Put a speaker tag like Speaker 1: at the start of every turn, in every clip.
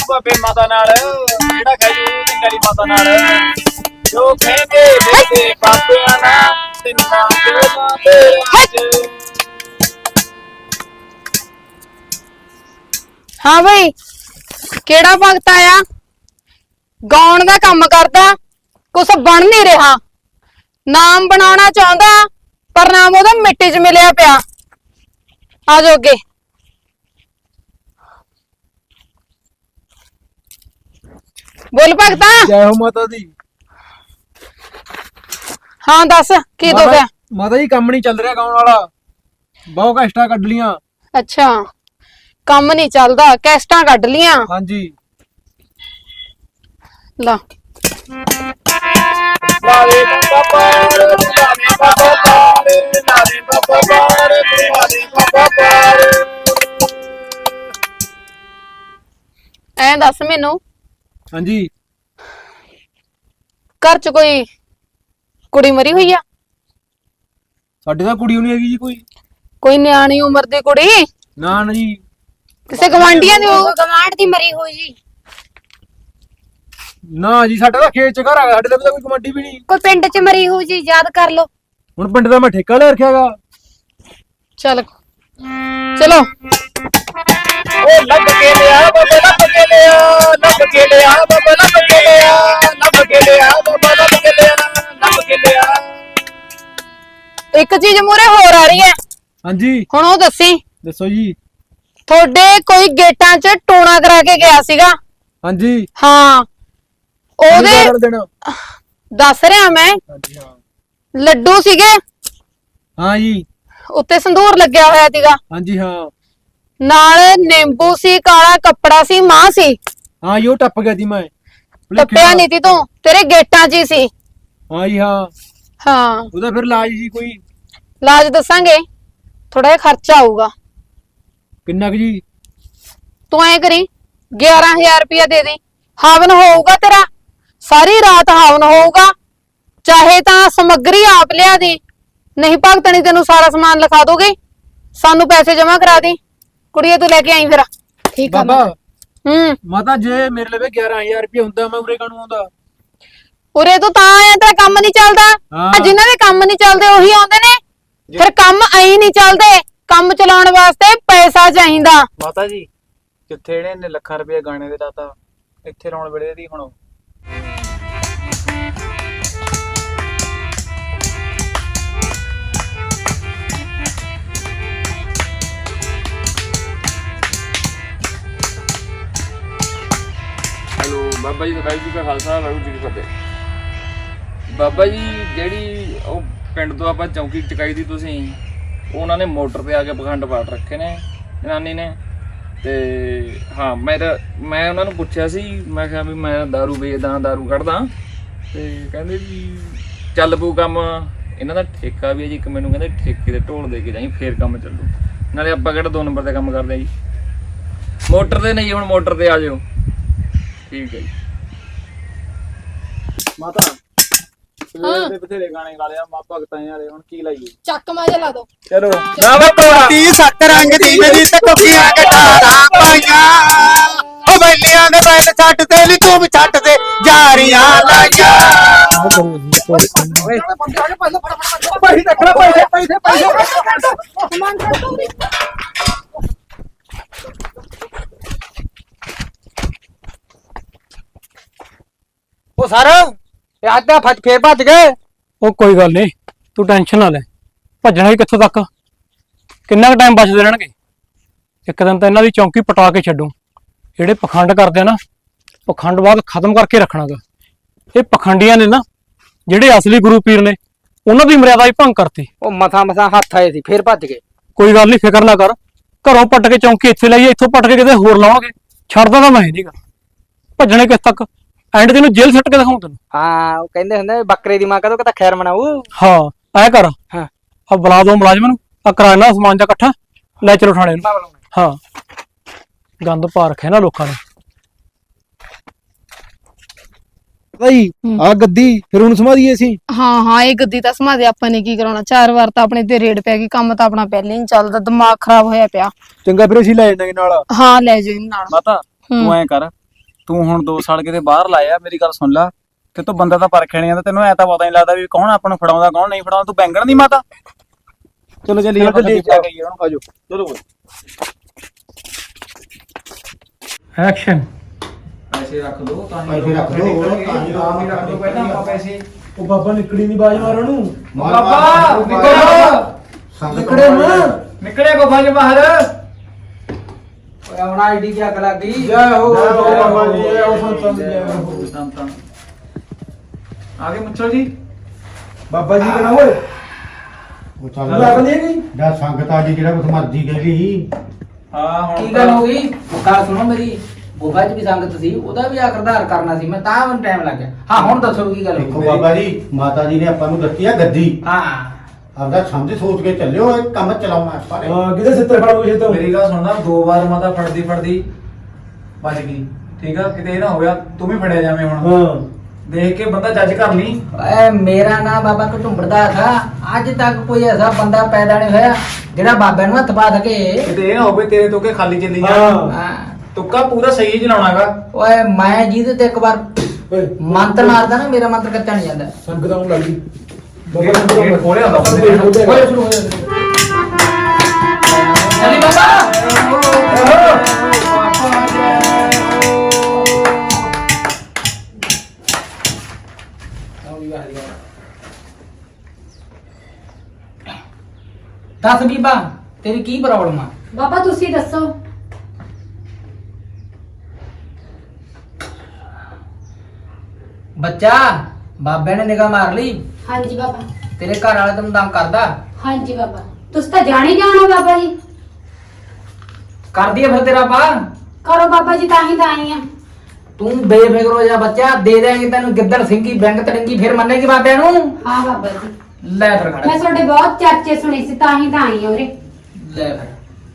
Speaker 1: ਬਾਬੇ ਮਾਤਾ ਨਾਲ ਜਿਹੜਾ ਖਜੂ ਦੀ ਗਲੀ ਮਾਤਾ ਨਾਲ ਜੋ ਕਹਿੰਦੇ ਵੇਦੇ ਬਾਬਿਆਂ ਨਾਲ ਤਿੰਨਾਂ ਦੇ
Speaker 2: हाँ भाई केड़ा भगत आया गाउन का काम करता कुछ बन नहीं रहा नाम बनाना चाहता पर नाम ओदा मिट्टी च मिलिया पिया आ जाओ अगे बोल भगता
Speaker 1: जय हो माता दी
Speaker 2: हाँ दस की दो गया
Speaker 1: माता जी काम नहीं चल रहा गाउन वाला बहुत कष्टा कट लिया
Speaker 2: अच्छा काम नहीं चलता कैस्टा कट लिया
Speaker 1: हाँ जी
Speaker 2: ला
Speaker 1: लाले बाबा पार लाले बाबा पार लाले बाबा पार लाले बाबा पार
Speaker 2: ऐ दस मैनू
Speaker 1: हाँ जी
Speaker 2: घर च कोई कुड़ी मरी हुई है
Speaker 1: साडे तां कुड़ी नहीं हैगी जी
Speaker 2: कोई न्याणी उम्र दी कुड़ी
Speaker 1: ना ना जी
Speaker 2: किसे गवांढियां दी
Speaker 3: गवांढ दी मरी हुई जी
Speaker 1: ना जी साडा तां खेत च घर आ साडे तां कोई कमांडी भी नहीं
Speaker 3: कोई पिंड च मरी हुई जी याद कर लो
Speaker 1: हुण पिंड दा मैं ठेका ले रखियागा
Speaker 2: चल चलो
Speaker 1: ओ लब के लिया बाबा लब के लिया लब के लिया बाबा लब के लिया लब के लिया बाबा लब के लिया लब के लिया
Speaker 2: एक चीज मूरे होर आ रही है
Speaker 1: हाँ जी
Speaker 2: हुण ओ दसी
Speaker 1: दसो जी
Speaker 2: थोड़े कोई गेटां च टोना करा के गया सीगा
Speaker 1: हाँ जी
Speaker 2: हाँ ओदे
Speaker 1: देना
Speaker 2: दस रहा मैं
Speaker 1: हाँ जी हाँ
Speaker 2: लड्डू सीगे
Speaker 1: हाँ जी
Speaker 2: उत्ते संदूर लग्या होया सीगा
Speaker 1: हाँ जी हाँ
Speaker 2: नाल नींबू सी काला कपड़ा सी मां सी
Speaker 1: हाँ यो टप गया थी मैं
Speaker 2: टप्पिया नहीं थी तू तेरे गेटां च ही सी
Speaker 1: हाँ जी हाँ
Speaker 2: हाँ
Speaker 1: ਉਹਦਾ ਫਿਰ ਇਲਾਜ ਜੀ ਕੋਈ
Speaker 2: लाज दसांगे थोड़ा जिहा खर्चा आऊगा
Speaker 1: ਕਿੰਨਾ ਕੁ ਜੀ
Speaker 2: तू ऐ करी 11,000 रुपया दे दे हवन होगा तेरा सारी रात हवन होगा चाहे ता समग्री आप लिया दी नहीं भगतनी तेनू सारा सामान लिखा दोगे सानू पैसे जमा करा दी कुड़िए तू लेके आई फिर
Speaker 3: ठीक
Speaker 1: ਬਾਬਾ
Speaker 2: माता
Speaker 1: ਜੇ ਮੇਰੇ ਲਵੇ 11000 ਰੁਪਏ ਹੁੰਦਾ ਮੈਂ ਉਰੇ ਕਾਹਨੂੰ ਆਉਂਦਾ
Speaker 2: उरे तू ता आया तेरा काम नहीं चलता
Speaker 1: हाँ।
Speaker 2: जिन्हां दे काम नहीं चलते ओही आउंदे ने फिर काम आई नहीं चलते काम चलाउण वास्ते पैसा चाहिदा
Speaker 1: ਮਾਤਾ ਜੀ ਕਿੱਥੇ ਨੇ ਲੱਖਾਂ ਰੁਪਏ ਗਾਣੇ ਦੇ ਦਾਤਾ ਇੱਥੇ ਰੌਣ ਵੇਲੇ ਦੀ ਹੁਣ
Speaker 4: ਹੈਲੋ ਬਾਬਾ ਜੀ ਦਾ ਵਾਹਿਗੁਰੂ ਜੀ ਕਾ ਖਾਲਸਾ ਵਾਹਿਗੁਰੂ ਜੀ ਕੀ ਫਤਿਹ। ਬਾਬਾ ਜੀ ਜਿਹੜੀ ਉਹ ਪਿੰਡ ਤੋਂ ਆਪਾਂ ਚੌਂਕੀ ਚਕਾਈ ਦੀ ਤੁਸੀਂ ਉਹ ਉਹਨਾਂ ਨੇ ਮੋਟਰ ਤੇ ਆ ਕੇ ਪਖੰਡ ਪਾਟ ਰੱਖੇ ਨੇ ਜਨਾਨੀ ਨੇ ਤੇ ਹਾਂ ਮੈਂ ਉਹਨਾਂ ਨੂੰ ਪੁੱਛਿਆ ਸੀ ਮੈਂ ਕਿਹਾ ਵੀ ਮੈਂ ਦਾਰੂ ਵੇਚਦਾ ਦਾਰੂ ਕੱਢਦਾ ਤੇ ਕਹਿੰਦੇ ਵੀ ਚੱਲ ਪਊ ਕੰਮ ਇਹਨਾਂ ਦਾ ਠੇਕਾ ਵੀ ਹੈ ਜੀ ਇੱਕ ਮੈਨੂੰ ਕਹਿੰਦੇ ਠੇਕੇ ਤੇ ਢੋਲ ਦੇ ਕੇ ਜਾਈ ਫੇਰ ਕੰਮ ਚੱਲੂ ਨਾਲੇ ਆਪਾਂ ਕਿਹੜਾ 2 ਨੰਬਰ ਤੇ ਕੰਮ ਕਰਦੇ ਆ ਜੀ ਮੋਟਰ ਤੇ ਨਹੀਂ ਹੁਣ ਮੋਟਰ ਤੇ ਆ ਜਾਓ ਠੀਕ ਹੈ ਜੀ
Speaker 1: ਮਾਤਾ ਸਵੇਰ ਦੇ ਬਥੇਰੇ ਗਾਣੇ ਗਾ ਲਿਆ ਮਾ ਭਗਤਾਂ ਵਾਲੇ ਹੁਣ ਕੀ ਲਾਈਏ
Speaker 2: ਚੱਕ ਮਾਜਾ ਲਾ ਦੋ
Speaker 1: ਚਲੋ
Speaker 5: ਨਵ ਕੋਟੀ ਸੱਤ ਰੰਗ ਦੀ ਮੇਰੀ ਟੋਪੀਆਂ ਕਟਾਰਾਂ ਪਾਈਆਂ ਉਹ ਬੈਲੀਆਂ ਦੇ ਬੈਲ ਛੱਡ ਤੇ ਨੀ ਤੂੰ ਵੀ ਛੱਡ ਦੇ ਜਾਰੀਆਂ ਲਾਈਆਂ
Speaker 1: ਭਾਈ ਦੇਖਣਾ ਪੈਸੇ
Speaker 5: ਉਹ ਸਰ ਇਹ ਅੱਜ ਦਾ ਫੇਰ ਭੱਜ ਗਏ
Speaker 6: ਉਹ ਕੋਈ ਗੱਲ ਨਹੀਂ ਤੂੰ ਟੈਨਸ਼ਨ ਨਾ ਲੈ ਭੱਜਣਾ ਵੀ ਕਿੱਥੋਂ ਤੱਕ ਕਿੰਨਾ ਕੁ ਟਾਈਮ ਬਚਦੇ ਰਹਿਣਗੇ ਇੱਕ ਦਿਨ ਤਾਂ ਇਹਨਾਂ ਦੀ ਚੌਂਕੀ ਪਟਾ ਕੇ ਛੱਡੂ ਜਿਹੜੇ ਪਖੰਡ ਕਰਦੇ ਆ ਨਾ ਪਖੰਡ ਬਾਅਦ ਖਤਮ ਕਰਕੇ ਰੱਖਣਾਗਾ ਇਹ ਪਖੰਡੀਆਂ ਨੇ ਨਾ ਜਿਹੜੇ ਅਸਲੀ ਗੁਰੂ ਪੀਰ ਨੇ ਉਹਨਾਂ ਦੀ ਮਰਿਆਦਾ ਹੀ ਭੰਗ ਕਰਤੀ
Speaker 5: ਉਹ ਮਥਾ ਹੱਥ ਆਏ ਸੀ ਫੇਰ ਭੱਜ ਗਏ
Speaker 6: ਕੋਈ ਗੱਲ ਨਹੀਂ ਫਿਕਰ ਨਾ ਕਰ ਘਰੋਂ ਪੱਟ ਕੇ ਚੌਂਕੀ ਇੱਥੇ ਲਾਈਏ ਇੱਥੋਂ ਪੱਟ ਕੇ ਕਿਤੇ ਹੋਰ ਲਾਉਣਗੇ ਛੱਡਦਾ ਤਾਂ ਮੈਂ ਨਹੀਂਗਾ ਭੱਜਣੇ ਕਿਸ ਤੱਕ ਐਂਡ ਤੈਨੂੰ ਜੇਲ੍ਹ ਸੱਟ ਕੇ ਦਿਖਾਉਂ ਤੈਨੂੰ
Speaker 5: ਹਾਂ ਉਹ ਕਹਿੰਦੇ ਹੁੰਦੇ ਬੱਕਰੇ ਦੀ ਮਾਂ ਕਦੋਂ ਕਿਤਾ ਖੈਰ ਮਨਾਊ
Speaker 6: ਹਾਂ ਐ ਕਰ
Speaker 5: ਹਾਂ
Speaker 6: ਆ ਬੁਲਾ ਦੋ ਮੁਲਾਜ਼ਮ ਨੂੰ ਆ ਕਰਾਣਾ ਸਮਾਨ ਜਾ ਇਕੱਠਾ ਲੈ ਚਲੋ ਥਾਣੇ ਨੂੰ ਹਾਂ ਗੰਦ ਪਾ ਰੱਖਿਆ ਨਾ ਲੋਕਾਂ ਨੇ
Speaker 1: ਭਾਈ ਆ ਗੱਦੀ ਫਿਰ ਹੁਣ ਸਮਾਦੀਏ ਸੀ
Speaker 2: हाँ हाँ ये गद्दी ਤਾਂ ਸਮਾ ਦੇ ਆਪਾਂ ਨੇ ਕੀ ਕਰਾਉਣਾ 4 ਵਾਰ ਤਾਂ ਆਪਣੇ ਤੇ ਰੇਡ ਪੈ ਗਈ ਕੰਮ ਤਾਂ ਆਪਣਾ ਪਹਿਲੇ ਹੀ ਨੀ ਚੱਲਦਾ ਦਿਮਾਗ ਖਰਾਬ ਹੋਇਆ ਪਿਆ
Speaker 1: ਚੰਗਾ ਫਿਰ ਅਸੀਂ ਲੈ ਜਾਣਾਂਗੇ ਨਾਲ
Speaker 2: ਹਾਂ ਲੈ ਜਾਓ ਇਹਨਾਂ ਨਾਲ
Speaker 1: ਮਾਤਾ ਤੂੰ ਐਂ ਕਰ
Speaker 5: ਤੂੰ ਹੁਣ 2 ਸਾਲ ਕਿਤੇ ਬਾਹਰ ਲਾਇਆ, ਮੇਰੀ ਗੱਲ ਸੁਣ ਲੈ, ਤੇ ਤੂੰ ਬੰਦਾ ਤਾਂ ਪਰਖਿਆ ਨਹੀਂ ਜਾਂਦਾ, ਤੈਨੂੰ ਐ ਤਾਂ ਪਤਾ ਨਹੀਂ ਲੱਗਦਾ ਵੀ ਕੌਣ ਆਪਾਂ ਨੂੰ ਫੜਾਉਂਦਾ ਕੌਣ ਨਹੀਂ ਫੜਾਉਂਦਾ। ਤੂੰ ਬੈਂਗਣ ਦੀ ਮਾਤਾ। ਚਲੋ ਚੱਲੀਏ ਆਪਾਂ ਲੈ ਕੇ ਆਈਏ ਉਹਨੂੰ, ਆਜੋ ਚਲੋ।
Speaker 6: ਐਕਸ਼ਨ।
Speaker 4: ਪੈਸੇ ਰੱਖ ਦੋ ਤਾਂ
Speaker 5: ਪੈਸੇ ਰੱਖ ਦਿਓ,
Speaker 4: ਆਰਾਮ ਹੀ ਰੱਖ ਦੋ ਪਹਿਲਾਂ ਆਪਾਂ ਪੈਸੇ।
Speaker 7: ਉਹ ਬਾਬਾ ਨਿਕੜੀ ਨਹੀਂ ਬਾਜ ਮਾਰਨ ਨੂੰ।
Speaker 4: ਬਾਬਾ ਨਿਕਲੋ,
Speaker 7: ਨਿਕੜੇ ਹੁਣ।
Speaker 4: ਨਿਕਲੇ ਗੁਫਾ ਚ ਬਾਹਰ। ਓਏ ਹੁਣ ਆਈਡੀ ਕੀ ਅੱਗ ਲੱਗ ਗਈ।
Speaker 7: ਜੈ ਹੋ ਬਾਬਾ ਜੀ, ਜੈ ਹੋ ਸੰਤਾਂ ਦੀ ਜੈ ਹੋ।
Speaker 4: ਸੰਤਾਂ ਆ ਗਏ ਮੁੱਛੋ ਜੀ।
Speaker 7: ਬਾਬਾ ਜੀ ਕਹਣਾ ਓਏ
Speaker 5: ਉਹ
Speaker 7: ਲੱਗ ਨਹੀਂ ਗਈ।
Speaker 5: ਜਾ ਸੰਗਤ ਆ ਜੀ, ਜਿਹੜਾ ਕੁਛ ਮਰਜ਼ੀ ਕਹਿ ਲਈ।
Speaker 4: ਹਾਂ ਹੁਣ
Speaker 8: ਕੀ ਗੱਲ ਹੋ ਗਈ? ਗੱਲ ਸੁਣੋ ਮੇਰੀ। ਗੁਫਾ 'ਚ ਵੀ ਸੰਗਤ ਸੀ, ਉਹਦਾ ਵੀ ਆਖਰਦਾਰ ਕਰਨਾ ਸੀ ਮੈਂ, ਤਾਂ ਮੈਨੂੰ ਟਾਈਮ ਲੱਗ ਗਿਆ। ਹਾਂ ਹੁਣ ਦੱਸੋ ਕੀ ਗੱਲ
Speaker 5: ਦੇਖੋ
Speaker 8: ਹੋਈ?
Speaker 5: ਬਾਬਾ ਜੀ, ਮਾਤਾ ਜੀ ਨੇ ਆਪਾਂ ਨੂੰ ਦਿੱਤੀ ਆ ਗੱਦੀ।
Speaker 8: ਹਾਂ
Speaker 5: ਆਪਦਾ ਸਮਝ ਸੋਚ ਕੇ ਚੱਲਿਓ, ਇਹ ਕੰਮ ਚਲਾਉਣਾ ਆਪਾਂ ਨੇ।
Speaker 7: ਹਾਂ ਕਿਤੇ ਸਿੱਤਰ ਫੜ ਗਏ ਤੋਂ।
Speaker 4: ਮੇਰੀ ਗੱਲ ਸੁਣਨਾ, 2 ਵਾਰ ਮਾਤਾ ਫੜਦੀ ਬਚ ਗਈ। ਠੀਕ ਆ, ਕਿਤੇ ਇਹ ਨਾ ਹੋਇਆ ਤੂੰ ਵੀ ਫੜਿਆ ਜਾਵੇਂ ਹੁਣ।
Speaker 7: ਹਾਂ
Speaker 4: ਦੇਖ ਕੇ ਬੰਦਾ ਜੱਜ ਕਰ ਲਈ।
Speaker 8: ਓਏ ਮੇਰਾ ਨਾਮ ਬਾਬਾ ਘਟੁੰਬੜਦਾ ਥਾ। ਅੱਜ ਤੱਕ ਕੋਈ ਐਸਾ ਬੰਦਾ ਪੈਦਾ ਨਹੀਂ ਹੋਇਆ ਜਿਹੜਾ ਬਾਬੇ ਨੂੰ ਹੱਥ ਪਾ ਸਕੇ।
Speaker 4: ਕਿਤੇ ਇਹ ਨਾ ਹੋਵੇ ਤੇਰੇ ਤੋਂ ਕੇ ਖਾਲੀ ਚੱਲੀ ਜਾ।
Speaker 7: ਹਾਂ।
Speaker 8: ਹਾਂ।
Speaker 4: ਤੁੱਕਾ ਪੂਰਾ ਸਹੀ ਚਲਾਉਣਾਗਾ।
Speaker 8: ਓਏ ਮੈਂ ਜਿਹਦੇ ਤੇ ਇੱਕ ਵਾਰ
Speaker 7: ਓਏ
Speaker 8: ਮੰਤਰ ਮਾਰਦਾ ਨਾ, ਮੇਰਾ ਮੰਤਰ ਕੱਚਾ ਨਹੀਂ ਜਾਂਦਾ।
Speaker 7: ਸੰਗਤਾਂ ਨੂੰ ਲੱਗੀ।
Speaker 4: ਗੇਟ ਖੋਲਿਆ ਹੁੰਦਾ ਬੰਦੇ ਨੇ।
Speaker 8: ਓਏ ਸ਼ੁਰੂ ਹੋ ਜਾ। ਚੱਲੀ ਬਾਬਾ। ਦੱਸ ਬੀਬਾ, ਤੇਰੀ ਕੀ ਪ੍ਰੋਬਲਮ ਆ?
Speaker 3: ਬਾਬਾ ਤੁਸੀਂ ਦੱਸੋ।
Speaker 8: ਬੱਚਾ, ਬਾਬੇ ਨੇ ਨਿਗਾਹ ਮਾਰ ਲਈ।
Speaker 3: ਹਾਂਜੀ ਬਾਬਾ।
Speaker 8: ਤੇਰੇ ਘਰ ਵਾਲਾ ਤੈਨੂੰ ਤੰਗ ਕਰਦਾ?
Speaker 3: ਹਾਂਜੀ ਬਾਬਾ। ਤੁਸੀਂ ਤਾਂ ਜਾਣ ਹੀ ਜਾਣੋ ਬਾਬਾ ਜੀ।
Speaker 8: ਕਰਦੀ ਆ ਫਿਰ ਤੇਰਾ ਪਾ।
Speaker 3: ਕਰੋ ਬਾਬਾ ਜੀ, ਤਾਂ ਹੀ ਤਾਂ ਆਈ ਆ।
Speaker 8: ਤੂੰ ਬੇਫਿਕਰ ਹੋ ਜਾ ਬੱਚਾ, ਦੇ ਦੇਂਗੇ ਤੈਨੂੰ ਗਿੱਦੜ ਸਿੰਘੀ ਬੈਂਕ ਤੜੰਗੀ, ਫਿਰ ਮੰਨੇਗੀ ਬਾਬਿਆਂ ਨੂੰ।
Speaker 3: ਹਾਂ ਬਾਬਾ ਜੀ,
Speaker 8: ਲੈ ਫਿਰ ਖੜਾ।
Speaker 3: ਮੈਂ ਤੁਹਾਡੇ ਬਹੁਤ ਚਰਚੇ ਸੁਣੇ ਸੀ, ਤਾਂ ਹੀ ਤਾਂ ਆਈ ਆ ਉਰੇ।
Speaker 8: ਲੈ ਫਿਰ।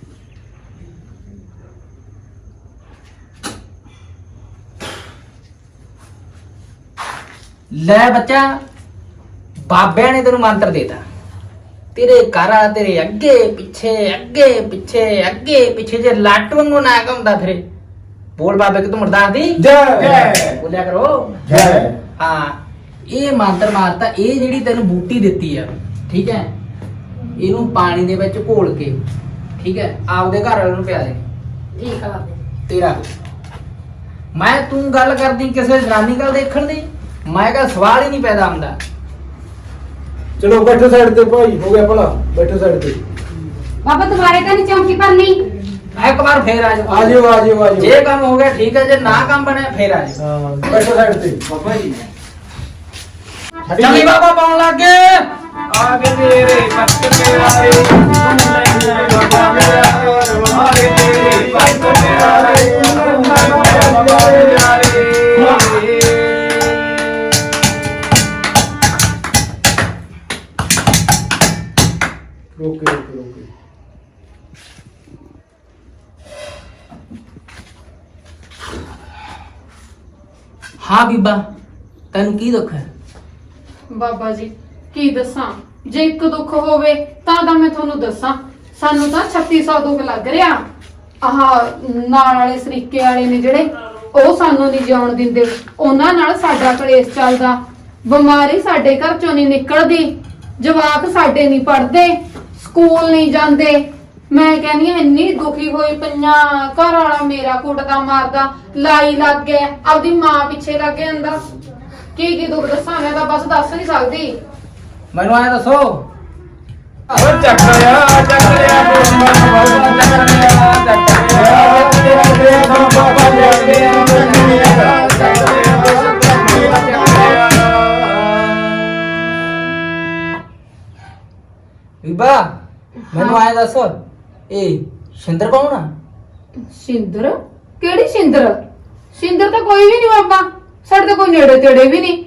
Speaker 8: ਲੈ ਬੱਚਾ, ਬਾਬਿਆਂ ਨੇ ਤੈਨੂੰ ਮੰਤਰ ਦੇਤਾ। ਤੇਰੇ ਘਰ ਆ, ਤੇਰੇ ਅੱਗੇ ਪਿੱਛੇ ਜੇ ਲੱਟ ਵਾਂਗੂ ਨਾ ਘੁੰਮਦਾ ਫਿਰੇ। ਬੋਲ ਬਾਬੇ ਕਿ ਤੂੰ ਮਰਦਾਸ ਦੀ
Speaker 7: ਜੈ।
Speaker 8: ਬੋਲਿਆ ਕਰੋ।
Speaker 5: ਜੈ।
Speaker 8: ਹਾਂ, ਇਹ ਮੰਤਰ ਮਾਰਤਾ। ਇਹ ਜਿਹੜੀ ਤੈਨੂੰ ਬੂਟੀ ਦਿੱਤੀ ਆ, ਠੀਕ ਹੈ, ਇਹਨੂੰ ਪਾਣੀ ਦੇ ਵਿੱਚ ਘੋਲ ਕੇ, ਠੀਕ ਹੈ, ਆਪਦੇ ਘਰ ਵਾਲੇ ਨੂੰ ਪਿਆ ਦੇ।
Speaker 3: ਠੀਕ ਆ ਬਾਬਾ।
Speaker 8: ਤੇਰਾ ਮੈਂ ਤੂੰ ਗੱਲ ਕਰਦੀ ਕਿਸੇ ਜਨਾਨੀ ਗੱਲ ਦੇਖਣ ਦੀ, ਮੈਂ ਕਿਹਾ ਸਵਾਲ ਹੀ ਨਹੀਂ ਪੈਦਾ ਹੁੰਦਾ।
Speaker 7: ਚਲੋ ਬੈਠੋ ਸਾਈਡ ਤੇ ਭਾਈ, ਹੋ ਗਿਆ ਭਲਾ। ਬੈਠੋ ਸਾਈਡ ਤੇ।
Speaker 3: ਬਾਬਾ ਦੁਬਾਰੇ ਤਾਂ ਨਹੀਂ ਚੌਂਕੀ ਭਰਨੀ।
Speaker 8: ਇੱਕ ਵਾਰ ਫੇਰ ਆ ਜਾ।
Speaker 7: ਆ ਜਿਓ ਆ ਜਿਓ ਆ ਜਿਓ।
Speaker 8: ਜੇ ਕੰਮ ਹੋ ਗਿਆ ਠੀਕ ਹੈ, ਜੇ ਨਾ ਕੰਮ ਬਣਿਆ ਫੇਰ ਆ ਜਾ।
Speaker 7: ਹਾਂ ਬੈਠੋ ਸਾਈਡ ਤੇ।
Speaker 4: ਬਾਬਾ ਜੀ
Speaker 8: ਚੱਲੀ ਬਾਬਾ ਪਾਉਣ ਲੱਗ ਗਏ।
Speaker 4: ਆ ਗਏ ਤੇਰੇ ਪੱਤ ਪਿਆਰੇ, ਬਾਬਾ ਮੇਰਾ ਆ ਗਏ ਤੇਰੇ ਪੱਤ ਪਿਆਰੇ, ਬਾਬਾ ਪਿਆਰੇ।
Speaker 7: ਰੋਕੇ ਰੋਕੇ ਰੋਕੇ।
Speaker 8: ਹਾਂ ਬੀਬਾ, ਤੈਨੂੰ ਕੀ ਦੁੱਖ ਹੈ?
Speaker 2: ਬਾਬਾ ਜੀ ਕੀ ਦੱਸਾਂ, ਜੇ ਇੱਕ ਦੁੱਖ ਹੋਵੇ ਤਾਂ ਮੈਂ ਤੁਹਾਨੂੰ ਦੱਸਾਂ। ਸਾਨੂੰ ਤਾਂ 3600 ਦੁੱਖ ਲੱਗ ਰਿਹਾ। ਆਹ ਨਾਲ ਵਾਲੇ ਸਰੀਕੇ ਵਾਲੇ ਨੇ ਜਿਹੜੇ, ਉਹ ਸਾਨੂੰ ਨਹੀਂ ਜਿਉਣ ਦਿੰਦੇ। ਉਹਨਾਂ ਨਾਲ ਸਾਡਾ ਕਲੇਸ਼ ਚੱਲਦਾ। ਬਿਮਾਰੀ ਸਾਡੇ ਘਰ ਚੋਂ ਨਹੀਂ ਨਿਕਲਦੀ। ਜਵਾਕ ਸਾਡੇ ਨਹੀਂ ਪੜ੍ਹਦੇ, ਸਕੂਲ ਨਹੀਂ ਜਾਂਦੇ। ਮੈਂ ਕਹਿੰਦੀ ਹਾਂ ਇੰਨੀ ਦੁਖੀ ਹੋਈ ਪਈਆਂ। ਘਰ ਵਾਲਾ ਮੇਰਾ ਕੁੱਟਦਾ ਮਾਰਦਾ, ਲਾਈ ਲੱਗ ਗਿਆ, ਆਪਦੀ ਮਾਂ ਪਿੱਛੇ ਲੱਗ ਗਿਆ ਅੰਦਰ। ਕੀ ਦੁੱਖ ਦੱਸਾਂ, ਮੈਂ ਤਾਂ ਬਸ ਦੱਸ ਨਹੀਂ ਸਕਦੀ।
Speaker 8: ਮੈਨੂੰ ਆਇਆ ਦੱਸੋ।
Speaker 4: ਓ ਚੱਕਰਿਆ ਬੰਬਾ ਬਾਬਾ ਚੱਕਰਿਆ ਬਾਬਾ
Speaker 8: ਬੀਬਾ ਮੈਨੂੰ ਆਇਆ ਦੱਸ, ਇਹ ਸ਼ਿੰਦਰ ਕੌਣ ਆ?
Speaker 2: ਸ਼ਿੰਦਰ? ਕਿਹੜੀ ਸ਼ਿੰਦਰ? ਸ਼ਿੰਦਰ ਤਾਂ ਕੋਈ ਵੀ ਨਹੀਂ ਬਾਬਾ, ਸਾਡੇ ਤਾਂ ਕੋਈ ਨੇੜੇ ਤੇੜੇ ਵੀ ਨਹੀਂ।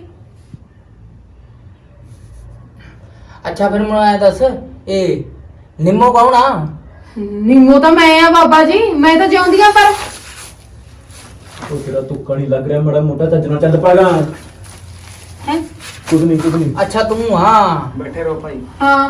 Speaker 8: ਅੱਛਾ ਫਿਰ ਮੈਨੂੰ ਆਇਆ ਦੱਸ, ਇਹ ਨਿੰਮੋ ਕੌਣ ਆ?
Speaker 2: ਨਿੰਮੋ ਤਾਂ ਮੈਂ ਆ ਬਾਬਾ ਜੀ, ਮੈਂ ਤਾਂ ਜਿਉਂਦੀ ਆ। ਪਰ
Speaker 7: ਉਹ ਤੇਰਾ ਤੁੱਕਾ ਨਹੀਂ ਲੱਗ ਰਿਹਾ, ਮਾੜਾ ਮੋਟਾ ਚੱਜ ਨਾਲ ਚੱਲ ਪਾਗਾ।
Speaker 2: ਹੈ
Speaker 7: ਕੁਝ ਨਹੀਂ ਕੁਝ ਨਹੀਂ।
Speaker 8: ਅੱਛਾ ਤੂੰ ਹਾਂ।
Speaker 4: ਬੈਠੇ ਰਹੋ ਭਾਈ।
Speaker 2: ਹਾਂ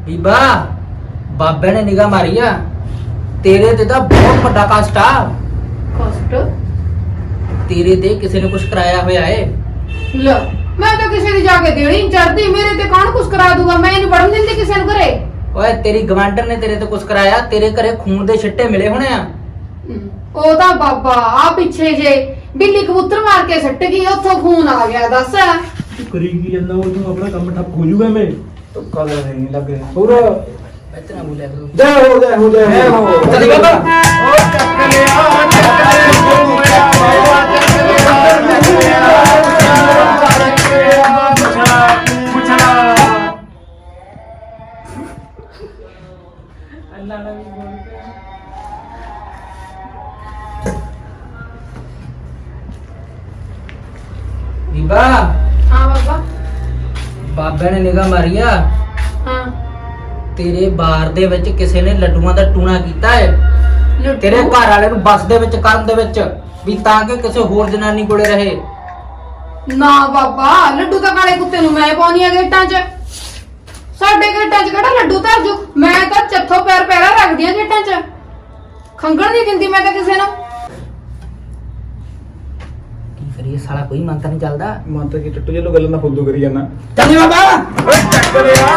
Speaker 8: ਬੀਬਾ ਬਾਬੇ ਨੇ ਨਿਗਾਹ ਮਾਰੀ ਆ ਤੇਰੇ ਤੇ ਤਾਂ ਬਹੁਤ ਵੱਡਾ ਕਸ਼ਟ ਆ।
Speaker 2: ਕਸ਼ਟ
Speaker 8: ਤੇਰੇ ਤੇ ਕਿਸੇ ਨੇ ਕੁਝ ਕਰਾਇਆ ਹੋਇਆ ਏ।
Speaker 2: ਲੈ ਮੈਂ ਤਾਂ ਕਿਸੇ ਦੀ ਜਾ ਕੇ ਦੇਣੀ ਨੀ ਚੜਦੀ, ਮੇਰੇ ਤੇ ਕੌਣ ਕੁਛ ਕਰਾ ਦੂਗਾ? ਮੈਂ ਨਹੀਂ ਵੜਨ ਦਿੰਦੀ ਕਿਸੇ ਨੂੰ ਘਰੇ।
Speaker 8: ਓਏ ਤੇਰੀ ਗਵਾਂਢਣ ਨੇ ਤੇਰੇ ਤੇ ਕੁਝ ਕਰਾਇਆ, ਤੇਰੇ ਘਰੇ ਖੂਨ ਦੇ ਛਿੱਟੇ ਮਿਲੇ ਹੋਣੇ ਆ।
Speaker 2: ਉਹ ਤਾਂ ਬਾਬਾ ਆ ਪਿੱਛੇ ਜੇ ਬਿੱਲੀ ਕਬੂਤਰ ਮਾਰ ਕੇ ਸੱਟ ਗਈ, ਉੱਥੋਂ ਖੂਨ ਆ ਗਿਆ। ਦੱਸ
Speaker 7: ਤੂੰ ਕਰੀ ਕੀ ਜਾਂਦਾ ਉਹ ਤੂੰ ਆਪਣਾ ਕੰਮ ਠੱਪ ਹੋ ਜੂਗਾ ਮੈਂ
Speaker 5: ਤੁੱਕਾ ਦਾ ਨਹੀਂ ਲੱਗ ਰਿਹਾ
Speaker 7: ਹੋਰ
Speaker 8: ਇਤਨਾ ਬੋਲਿਆ ਕਰੋ।
Speaker 7: ਜੈ ਹੋ ਜੈ ਹੋ ਜੈ ਹੋ
Speaker 8: ਚੱਲ ਬਾਬਾ
Speaker 1: ਓ ਚੱਕ ਲਿਆ
Speaker 8: ਬੀਬਾ
Speaker 2: ਹਾਂ ਬਾਬਾ।
Speaker 8: ਬਾਬੇ ਨੇ ਨਿਗਾਹ ਮਾਰੀ ਆ
Speaker 2: ਹਾਂ
Speaker 8: ਤੇਰੇ ਬਾਰ ਦੇ ਵਿੱਚ ਕਿਸੇ ਨੇ ਲੱਡੂਆਂ ਦਾ ਟੂਣਾ ਕੀਤਾ ਹੈ
Speaker 2: ਲੱਡੂ?
Speaker 8: ਤੇਰੇ ਘਰ ਵਾਲੇ ਨੂੰ ਬੱਸ ਦੇ ਵਿੱਚ ਕਰਨ ਦੇ ਵਿੱਚ ਵੀ ਤਾਂ ਕਿ ਕਿਸੇ ਹੋਰ ਜਨਾਨੀ ਕੋਲੇ ਰਹੇ।
Speaker 2: ਨਾ ਬਾਬਾ, ਲੱਡੂ ਤਾਂ ਕਾਲੇ ਕੁੱਤੇ ਨੂੰ ਮੈਂ ਪਾਉਣੀ ਆ ਗੇਟਾਂ 'ਚ। ਸਾਡੇ ਗੇਟਾਂ 'ਚ ਕਿਹੜਾ ਲੱਡੂ ਧਰ ਜੂ? ਮੈਂ ਤਾਂ ਚੱਥੋਂ ਪੈਰ ਪੈਰਾ ਰੱਖਦੀ ਆ ਗੇਟਾਂ 'ਚ। ਖੰਗਣ ਨਹੀਂ ਦਿੰਦੀ ਮੈਂ ਤਾਂ ਕਿਸੇ ਨੂੰ।
Speaker 8: ਕੀ ਕਰੀਏ ਸਾਲਾ ਕੋਈ ਮੰਤਰ ਨਹੀਂ ਚੱਲਦਾ।
Speaker 5: ਮੰਤ ਕੀ ਟੱਟੂ ਜਿਹਨੂੰ ਗੱਲਾਂ ਦਾ ਫੁੱਦੂ ਕਰੀ ਜਾਂਦਾ
Speaker 8: ਚੱਲ ਬਾਬਾ
Speaker 1: ਓ ਚੱਕ ਲਿਆ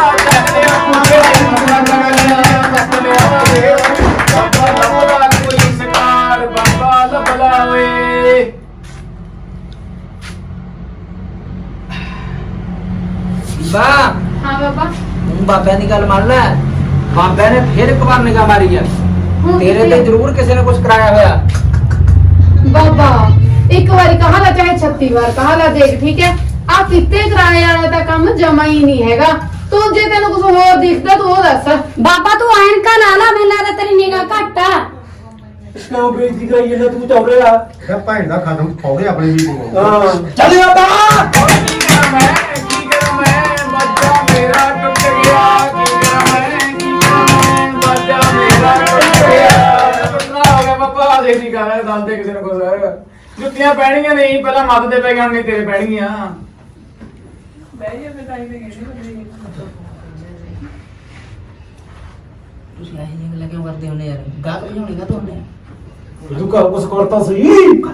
Speaker 1: ਬਾਬਾ ਲੱਭਦਾ ਕੋਈ ਸਰਕਾਰ, ਬਾਬਾ ਲੱਭਦਾ ਓਏ।
Speaker 8: ਬੀਬਾ
Speaker 2: ਹਾਂ ਬਾਬਾ।
Speaker 8: ਤੂੰ ਬਾਬਿਆਂ ਦੀ ਗੱਲ ਮੰਨ ਲੈ। ਬਾਬਿਆਂ ਨੇ ਫਿਰ ਇੱਕ ਵਾਰ ਨਿਗਾਹ ਮਾਰੀ ਆ
Speaker 2: ਹੁਣ
Speaker 8: ਤੇਰੇ
Speaker 2: ਕਿਤੇ-
Speaker 8: ਤੇ ਜ਼ਰੂਰ ਕਿਸੇ ਨੇ ਕੁਝ ਕਰਾਇਆ ਹੋਇਆ।
Speaker 2: ਬਾਬਾ ਇੱਕ ਵਾਰੀ ਕਹਾ ਲਾ ਚਾਹੇ 36 ਵਾਰ ਕਹਾ ਲਾ, ਦੇਖ ਠੀਕ ਹੈ ਆ ਕਿਤੇ ਕਿਰਾਏ ਵਾਲਾ ਤਾਂ ਕੰਮ ਜਮਾ ਹੀ ਨਹੀਂ ਹੈਗਾ। ਤੂੰ ਜੇ ਤੈਨੂੰ ਕੁਝ ਹੋਰ ਦਿਖਦਾ ਤੂੰ ਉਹ ਦੱਸ।
Speaker 3: ਬਾਬਾ ਤੂੰ ਐਨਕਾਂ ਲਾ ਲਾ, ਮੈਨੂੰ ਲੱਗਦਾ ਤੇਰੀ ਨਿਗਾਹ ਘੱਟ ਆ।
Speaker 7: ਕਿਉਂ ਬੇਇੱਜ਼ਤੀ ਕਰਾਈ ਜਾਂਦਾ ਤੂੰ ਚੌੜੇ ਆ
Speaker 9: ਇਹ ਭੈਣ ਦਾ ਖਤਮ ਫੌੜੇ ਆਪਣੇ ਵੀ ਕੋਲ
Speaker 7: ਹਾਂ
Speaker 8: ਚੱਲ ਬਾਬਾ
Speaker 1: ਕੀ ਕਰਾਂ ਮੈਂ ਬੱਚਾ ਮੇਰਾ ਟੁੱਟ ਗਿਆ। ਕੀ ਕਰਾਂ ਮੈਂ ਬੱਚਾ ਮੇਰਾ ਟੁੱਟ ਗਿਆ। ਟੁੱਟਣਾ ਹੋ ਗਿਆ ਬਾਬਾ, ਦੇਖ ਕਰ ਦੱਸ ਦੇ ਕਿਸੇ ਨੂੰ ਕੁਝ। ਜੁੱਤੀਆਂ ਪੈਣੀਆਂ ਨਹੀਂ, ਪਹਿਲਾਂ ਮੱਤ ਦੇ ਪੈ ਗਏ, ਨਹੀਂ ਤੇਰੇ ਪੈਣਗੀਆਂ।
Speaker 8: ਤੁਸੀਂ ਇਹ ਜਿਹੀਆਂ ਗੱਲਾਂ ਕਿਉਂ ਕਰਦੇ ਹੁੰਦੇ ਯਾਰ? ਗਾਹ ਕਰੀ ਹੋਣੀ ਗਾ ਤੁਹਾਨੇ।
Speaker 7: ਤੂੰ ਘਰ ਕੁਛ ਕਰਤਾ ਸਹੀ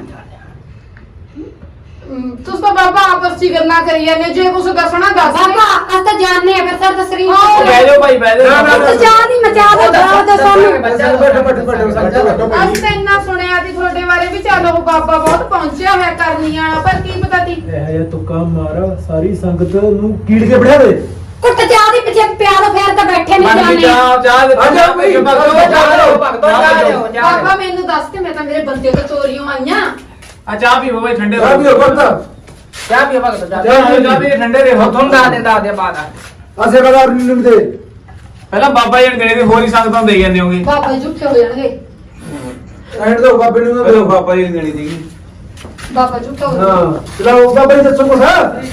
Speaker 2: ਤੁਸੀਂ ਤਾਂ ਬਾਬਾ ਆਪਸ 'ਚ ਹੀ ਗੱਲਾਂ ਕਰੀ ਜਾਂਦੇ, ਜੇ ਕੁਝ ਦੱਸਣਾ ਦੱਸ ਦੇ।
Speaker 3: ਬਾਬਾ ਅਸ ਤਾਂ ਜਾਣਨੇ ਆ ਫਿਰ ਸਰ ਤਸਰੀਰ
Speaker 2: ਹਾਂ।
Speaker 1: ਬਹਿ ਜਾਓ ਭਾਈ, ਬਹਿ ਜਾਓ।
Speaker 3: ਤੂੰ ਜਾਨ ਹੀ ਮਚਾ ਦੇ ਬਾਬਾ ਦਾ ਸਾਨੂੰ।
Speaker 2: ਅਸੀਂ ਤਾਂ ਇੰਨਾ ਸੁਣਿਆ ਸੀ ਤੁਹਾਡੇ ਬਾਰੇ ਵੀ ਚੱਲ ਉਹ ਬਾਬਾ ਬਹੁਤ ਪਹੁੰਚਿਆ ਹੋਇਆ ਕਰਨੀ ਵਾਲਾ, ਪਰ ਕੀ ਪਤਾ ਸੀ।
Speaker 7: ਇਹ ਜਿਹਾ ਤੁੱਕਾ ਮਾਰ ਸਾਰੀ ਸੰਗਤ ਨੂੰ ਕੀੜ ਕੇ ਬਿਠਾ ਦੇ
Speaker 3: ਕੁੱਟ ਚਾਹ ਦੀ ਪਿੱਛੇ ਪਿਆ ਲੋ ਫੇਰ ਤਾਂ ਬੈਠੇ ਨਹੀਂ ਜਾਣੇ।
Speaker 1: ਚਾਹ ਦੇ
Speaker 7: ਆ ਜਾਓ ਬਈ,
Speaker 2: ਬਾਬਾ ਮੈਨੂੰ ਦੱਸ ਕੇ, ਮੈਂ ਤਾਂ ਮੇਰੇ ਬੰਦੇ ਤੋਂ ਚੋਰੀਆਂ ਆਈਆਂ।
Speaker 1: ਆ ਚਾਹ ਪੀਓ ਭਾਈ, ਠੰਡੇ
Speaker 7: ਆ ਵੀ ਕਰਤਾ
Speaker 8: ਚਾਹ ਪੀਓ ਭਗਤ ਜਾ
Speaker 1: ਚਾਹ ਪੀ ਠੰਡੇ ਦੇ ਹੋ।
Speaker 8: ਤੁਹਾਨੂੰ ਦੱਸ ਦੇ ਬਾਅਦ
Speaker 7: ਆ ਸੇਵਾਦਾਰ ਨੂੰ ਦੇ
Speaker 1: ਪਹਿਲਾਂ ਬਾਬਾ ਜੀ ਨੇ ਦੇਣੇ ਤੇ ਹੋਰ ਹੀ ਸੰਗਤਾਂ ਨੂੰ ਦੇਈ ਜਾਂਦੇ ਹੋਗੇ।
Speaker 2: ਬਾਬਾ ਜੀ ਝੂਠੇ ਹੋ ਜਾਣਗੇ।
Speaker 7: ਐਂਡ ਦੋ ਬਾਬੇ ਨੂੰ ਨਾ ਦਿਓ
Speaker 5: ਬਾਬਾ ਜੀ ਨੇ ਦੇਣੀ ਸੀਗੀ
Speaker 2: ਬਾਬਾ ਝੂਠਾ ਹੋ
Speaker 7: ਹਾਂ
Speaker 2: ਜਾਣਗੇ।
Speaker 7: ਚਲੋ ਬਾਬਾ ਜੀ ਦੱਸੋ ਕੁਛ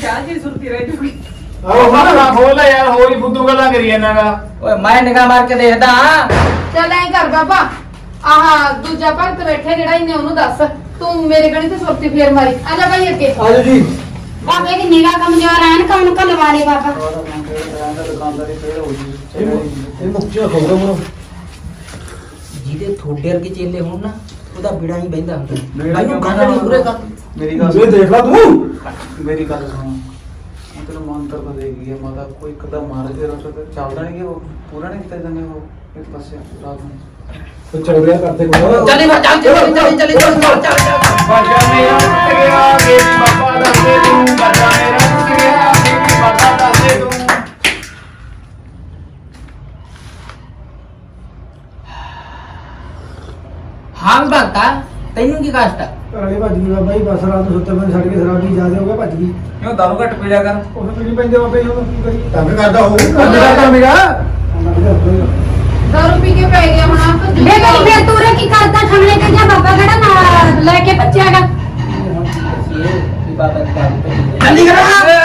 Speaker 7: ਆਓ
Speaker 1: ਹੁਣ
Speaker 7: ਹਾਂ
Speaker 1: ਖੋਲ ਲੈ ਯਾਰ, ਹੋਰ ਹੀ ਫੁੱਦੂ ਗੱਲਾਂ ਕਰੀ ਜਾਂਦਾਗਾ।
Speaker 8: ਓਏ ਮੈਂ ਨਿਗਾਹ ਮਾਰ ਕੇ ਦੇਖਦਾ
Speaker 2: ਚੱਲ ਐਂ ਕਰ ਬਾਬਾ, ਆਹ ਦੂਜਾ ਭਗਤ ਬੈਠੇ ਜਿਹੜਾ ਇਹਨੇ ਉਹਨੂੰ ਦੱਸ, ਤੂੰ ਮੇਰੇ ਗਣੀ ਤੇ ਸੁਰਤੀ ਫੇਰ ਮਾਰੀ। ਆ ਜਾ ਭਾਈ ਅੱਗੇ।
Speaker 7: ਆਜੋ ਜੀ
Speaker 3: ਬਾਬੇ ਦੀ ਨਿਗਾਹ ਕਮਜ਼ੋਰ ਐਨ ਕੌਣ ਲਵਾ ਲੈ ਬਾਬਾ।
Speaker 5: ਦੁਕਾਨਦਾਰੀ ਫੇਰ ਹੋ ਗਈ
Speaker 7: ਇਹ ਮੁੱਕਿਆ ਖੋਗਾ ਮਰੋ
Speaker 8: ਜਿਹਦੇ ਥੋੜੇ ਵਰਗੇ ਚੇਲੇ ਹੋਣ ਨਾ ਉਹਦਾ ਬਿੜਾ ਹੀ ਬਹਿੰਦਾ ਹੁੰਦਾ।
Speaker 5: ਬੇੜਾ
Speaker 8: ਮੈਨੂੰ
Speaker 5: ਕਿਉਂ
Speaker 8: ਗੱਲ ਨਹੀਂ ਪੂਰੇ ਕਰ।
Speaker 5: ਮੇਰੀ ਗੱਲ
Speaker 7: ਇਹ ਦੇਖ ਲਾ ਤੂੰ
Speaker 5: ਮੇਰੀ ਗੱਲ ਸੁਣ ਮੈਂ ਤੈਨੂੰ ਮੰਤਰ ਤਾਂ ਦੇ ਗਈ ਹੈ ਮਾਤਾ ਕੋਈ ਕਦਮ ਮਾਰ ਕੇ ਰੋ ਤੇ ਚੱਲਦਾ ਨਹੀਂ ਕਿ ਉਹ ਪੂਰਾ ਨਹੀਂ ਕੀਤਾ ਜਾਂਦੇ ਉਹ ਇੱਕ ਪਾਸੇ ਰਾਤ ਨੂੰ
Speaker 7: ਤੂੰ ਚੌੜਿਆ ਕਰਦੇ ਕੋਲ
Speaker 8: ਚੱਲ ਚੱਲ
Speaker 1: ਬਾਜਾ ਮੇਰਾ ਟੁੱਟ ਗਿਆ, ਮੇਰੀ ਬਾਬਾ ਦੱਸ ਦੇ ਤੂੰ। ਬਾਜਾ ਮੇਰਾ ਟੁੱਟ ਗਿਆ, ਮੇਰੀ ਬਾਬਾ ਦੱਸ ਦੇ ਤੂੰ।
Speaker 8: ਹਾਂ ਭਗਤਾ ਤੈਨੂੰ ਕੀ ਕਸ਼ਟ ਆ?
Speaker 7: ਅਰੇ ਭੱਜ ਗਈ ਬਾਬਾ ਜੀ ਬਸ ਰਾਤ ਨੂੰ ਸੁੱਤੇ ਪਏ ਛੱਡ ਕੇ ਸ਼ਰਾਬੀ ਜਾ ਹੋ ਗਿਆ ਭੱਜ ਗਈ
Speaker 5: ਕਿਉਂ ਦਾਰੂ ਘੱਟ ਪੀੜਿਆ ਕਰ
Speaker 7: ਉਹ ਪੀਣੀ ਪੈਂਦੇ ਬਾਬਾ ਜੀ ਹੁਣ ਕੀ ਕਰੀ
Speaker 9: ਤੰਗ ਕਰਦਾ ਹੋਊ
Speaker 7: ਮੇਰਾ ਕੰਮ ਹੈਗਾ
Speaker 2: ਦਾਰੂ ਪੀ ਕੇ ਪੈ ਗਿਆ ਹੁਣ ਆਪ ਤਾਂ
Speaker 3: ਬੇ ਗਈ ਫੇਰ ਤੂੰ ਰੇ ਕੀ ਕਰਦਾ ਖਮਲੇ ਤੇ ਜਾਂ ਬਾਬਾ ਕਿਹੜਾ ਨਾਲ ਲੈ ਕੇ ਬੱਚਿਆਗਾ।
Speaker 8: ਕੀ ਬਾਤ ਹੈ?
Speaker 1: ਜਲਦੀ ਕਰੋ।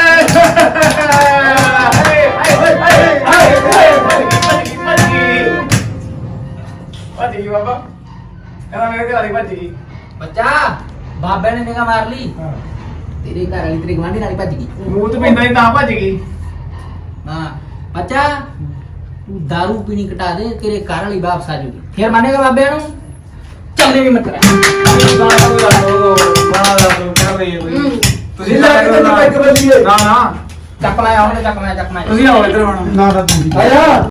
Speaker 1: ਭੱਜ ਗਈ ਬਾਬਾ, ਕਹਿੰਦਾ ਮੇਰੇ ਘਰ ਵਾਲੀ ਭੱਜ ਗਈ।
Speaker 8: ਬੱਚਾ ਬਾਬੇ ਨੇ ਨਿਗਾਹ ਮਾਰ ਲਈ ਤੇਰੇ ਘਰ ਵਾਲੀ ਤੇਰੀ ਗਵਾਂਢੀ ਨਾਲ ਹੀ ਭੱਜ ਗਈ।
Speaker 1: ਮੂੰਹ ਤੇ ਪੈਂਦਾ ਨਹੀਂ ਤਾਂ ਭੱਜ ਗਈ।
Speaker 8: ਹਾਂ ਬੱਚਾ ਬਾਬੇ ਨੇ ਨਿਗਾਹ ਮਾਰ ਲਈ ਤੇਰੇ ਘਰ ਵਾਲੀ ਤੇਰੀ ਗਵਾਂਢੀ ਨਾਲ ਹੀ ਭੱਜ ਗਈ।
Speaker 1: ਭੱਜ ਗਈ ਬਾਬਾ, ਕਹਿੰਦਾ ਮੇਰੇ ਘਰ ਵਾਲੀ ਭੱਜ ਗਈ।
Speaker 8: ਤੂੰ दारू ਪੀਣੀ ਘਟਾ ਦੇ, ਤੇਰੇ ਘਰ ਵਾਲੀ ਵਾਪਸ ਆ ਜੂਗੀ, ਫਿਰ ਮੰਨੇਗਾ ਬਾਬਿਆਂ ਨੂੰ? ਚੱਲਨੇ ਵੀ ਮਤ
Speaker 5: ਤੁਸੀਂ ਲੈ ਕੇ ਤੈਨੂੰ ਪੈਕ ਬੱਲੀਏ ਨਾ ਨਾ
Speaker 8: ਚੱਕ ਲਾਇਆ ਉਹਨੇ, ਚੱਕ ਲਾਇਆ
Speaker 5: ਤੁਸੀਂ ਆਓ ਇੱਧਰ ਹੁਣ
Speaker 7: ਨਾ ਨਾ ਤੂੰ ਆਇਆ